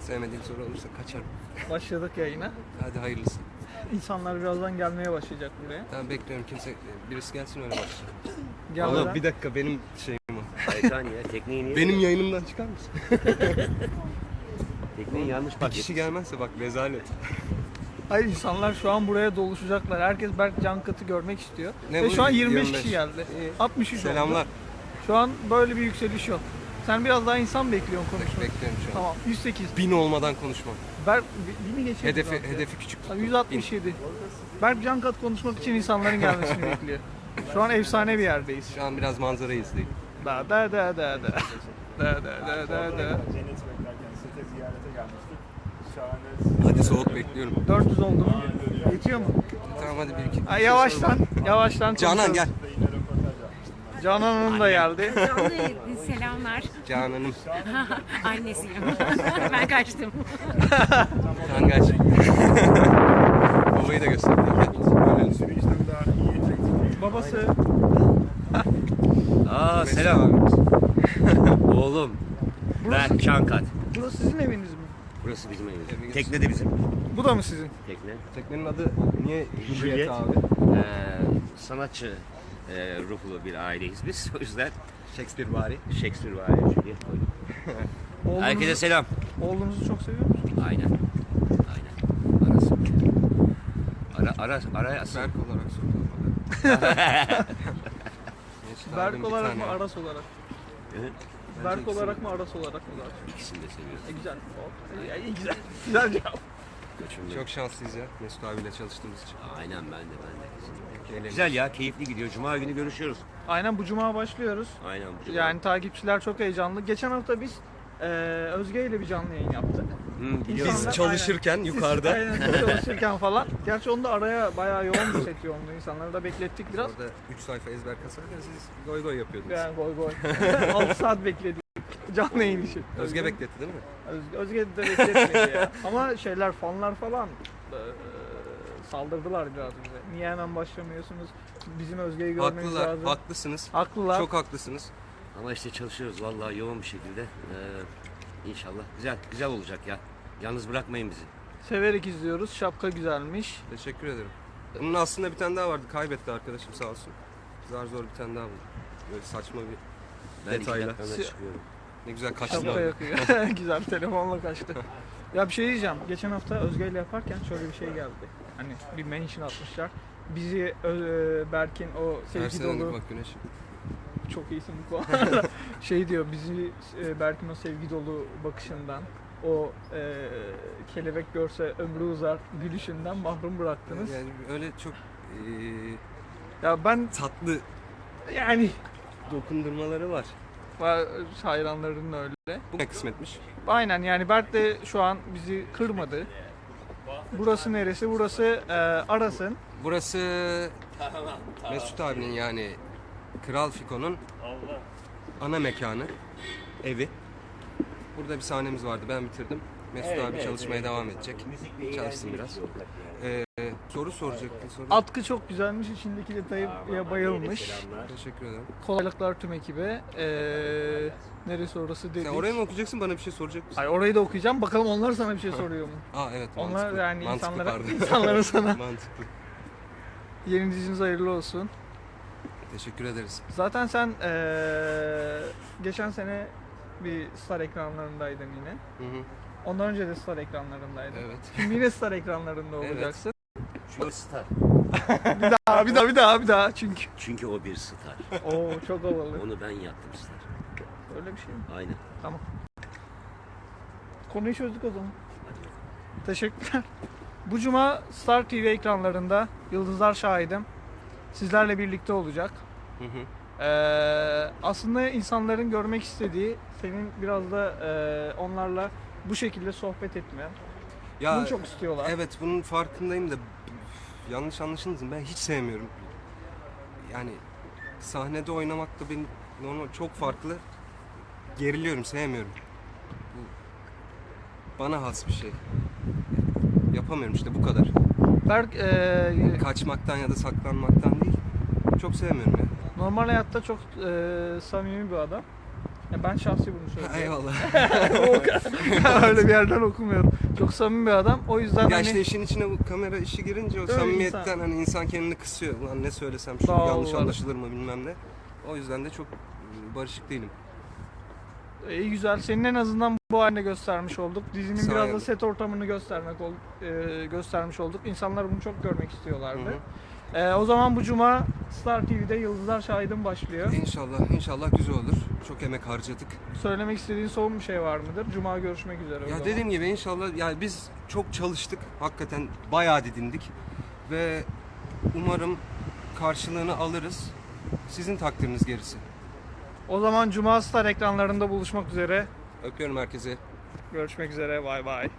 Sevmediğim soru olursa kaçarım. Başladık yayına. Hadi hayırlısı. İnsanlar birazdan gelmeye başlayacak buraya. Ben bekliyorum birisi gelsin öyle başlayalım. Gelmeden... Oğlum bir dakika benim şeyim o. Hayır ya tekneyi niye? Benim yayınımdan çıkar mısın? Tekneyi yanlış Bir bak. kişi gelmezse bak rezalet. Hayır, insanlar şu an buraya doluşacaklar. Herkes Berk Cankat'ı görmek istiyor. Ne Ve bu? şu an 25 25. kişi geldi. İyi. 63 oldu. Selamlar. Şu an böyle bir yükseliş yok. Sen biraz daha insan bekliyorsun konuşmak. Bekliyorum şu an. Tamam, 108. 1000 olmadan konuşmam. Berk, bini geçelim. Hedefi küçük. Tabii 167. Berk Cankat konuşmak için insanların gelmesini bekliyor. Şu an efsane bir yerdeyiz. Şu an biraz manzarayı izleyin. Da da da da da. Da da da da da. Cennet beklerken sete ziyarete gelmiştik. Şahane. Hadi soğuk bekliyorum. 400 oldu mu? Yetiyor mu? Tamam hadi bir iki. Ha, yavaştan Canan konuşalım. gel. Yine röportaj yapmıştım. Canan Hanım da geldi. Selamlar. Canan'ım. Annesiyim. Ben kaçtım. Sen kaç. Babayı da göstereyim. Böyle. Sürücüden daha iyi. Babası. Aa selam. Oğlum. Ben Çankat. Burası sizin eviniz mi? Burası bizim evimiz. Evimiz. Tekne de bizim. Bu da mı sizin? Tekne. Teknenin adı niye Juliet Juliet. abi? Sanatçı ruhlu bir aileyiz biz. O yüzden Shakespeare bari. Shakespeare var ya Juliet koyduk. Herkese selam. Oğlunuzu çok seviyor musunuz? Aynen. Aynen. Arası. Ara asıl. Berk olarak sordum. Berk olarak mı, Aras olarak? Evet. Berk olarak mı, Aras olarak mı? İkisini de seviyoruz. Güzel. Güzel. Güzel cevap. Göçümlü. Çok şanslıyız ya Mesut abiyle çalıştığımız için. Aynen ben de. Eğleniyoruz. Güzel ya, keyifli gidiyor. Cuma günü görüşüyoruz. Aynen, bu cuma başlıyoruz. Aynen bu cuma. Yani takipçiler çok heyecanlı. Geçen hafta biz Özge ile bir canlı yayın yaptık. Biliyorum. Biz İnsanlar- çalışırken yukarıda. Aynen, çalışırken falan. Gerçi onda araya bayağı yoğun bir set yoğunluğu. İnsanları da beklettik biraz. Orada 3 sayfa ezber kasarken siz goy goy yapıyordunuz. Yani goy goy. 6 saat bekledik. Canlı yayın için. Özge bekletti değil mi? Özge de bekletmedi ya. Ama fanlar falan saldırdılar biraz bize. Niye hemen başlamıyorsunuz? Bizim Özge'yi görmeniz Haklılar, lazım. haklısınız. Haklılar. Çok haklısınız. Ama işte çalışıyoruz vallahi yoğun bir şekilde. İnşallah güzel olacak ya. Yalnız bırakmayın bizi. Severek izliyoruz. Şapka güzelmiş. Teşekkür ederim. Bunun aslında bir tane daha vardı. Kaybetti arkadaşım sağ olsun. Zar zor bir tane daha buldu. Böyle saçma bir Ben detayla. 2 dakikada çıkıyorum. Ne güzel kaçtın Şapka abi. yakıyor. Güzel, telefonla kaçtı. Ya bir şey diyeceğim. Geçen hafta Özge ile yaparken şöyle bir şey geldi. Hani bir mention atmışlar. Bizi Berk'in o sevgi Tersten dolu... bak güneş. Çok iyisin bu konuda. Şey diyor, bizi Berk'in o sevgi dolu bakışından, o kelebek görse ömrü uzar gülüşünden mahrum bıraktınız. Yani öyle çok Ya ben tatlı yani dokundurmaları var. hayranların öyle. Bu ne kısmetmiş? Aynen, yani Berk de şu an bizi kırmadı. Burası neresi? Burası Aras'ın. Burası Mesut abinin yani Kral Fiko'nun ana mekanı, evi. Burada bir sahnemiz vardı, ben bitirdim. Mesut abi çalışmaya devam edecek. Çalışsın biraz. Soru soracaktın. Soru. Atkı çok güzelmiş, içindeki detaya bayılmış. Teşekkür ederim. Kolaylıklar tüm ekibe. Neresi orası dedik. Sen oraya mı okuyacaksın, bana bir şey soracak mısın? Hayır, orayı da okuyacağım. Bakalım onlar sana bir şey soruyor mu? Aa evet, Onlar mantıklı. yani Mantıklı, pardon. insanların sana Mantıklı. yeni diziniz hayırlı olsun. Teşekkür ederiz. Zaten sen geçen sene bir Star ekranlarındaydın yine. Hı hı. Ondan önce de Star ekranlarındaydın. Evet. Şimdi yine Star ekranlarında Evet. olacaksın. Çünkü star. Bir daha çünkü. Çünkü o bir star. Oo, çok havalı. Onu ben yaptım star. Öyle bir şey mi? Aynen. Tamam. Konuyu çözdük o zaman. Teşekkürler. Bu cuma Star TV ekranlarında Yıldızlar Şahidim sizlerle birlikte olacak. Hı hı. Aslında insanların görmek istediği, senin biraz da onlarla bu şekilde sohbet etme. Bunu çok istiyorlar. Evet, bunun farkındayım da yanlış anlaşılmasın, ben hiç sevmiyorum. Yani sahnede oynamak da benim normal çok farklı. Geriliyorum, sevmiyorum. Bu bana has bir şey. Yapamıyorum işte, bu kadar. Berk Kaçmaktan ya da saklanmaktan değil. Çok sevmiyorum ya. normal hayatta çok samimi bir adam. Ya ben şahsi bunu söylüyorum. Eyvallah. Öyle bir yerden okumuyorum. Çok samimi bir adam. O yüzden Ya hani işte işin içine bu kamera işi girince o Öyle samimiyetten insan. hani insan kendini kısıyor. Ulan ne söylesem şu Sağ ol, yanlış var. anlaşılır mı bilmem ne. O yüzden de çok barışık değilim. iyi güzel. Senin en azından bu haline göstermiş olduk. Dizinin Sağ biraz da olun. set ortamını göstermiş olduk. İnsanlar bunu çok görmek istiyorlardı. Hı O zaman bu cuma Star TV'de Yıldızlar Şahidim başlıyor. İnşallah güzel olur. Çok emek harcadık. Söylemek istediğin son bir şey var mıdır? Cuma görüşmek üzere. o Ya zaman. dediğim gibi inşallah yani biz çok çalıştık. Hakikaten bayağı didindik. Ve umarım karşılığını alırız. Sizin takdiriniz gerisi. O zaman Cuma Star ekranlarında buluşmak üzere. Öpüyorum herkese. Görüşmek üzere. Bay bay.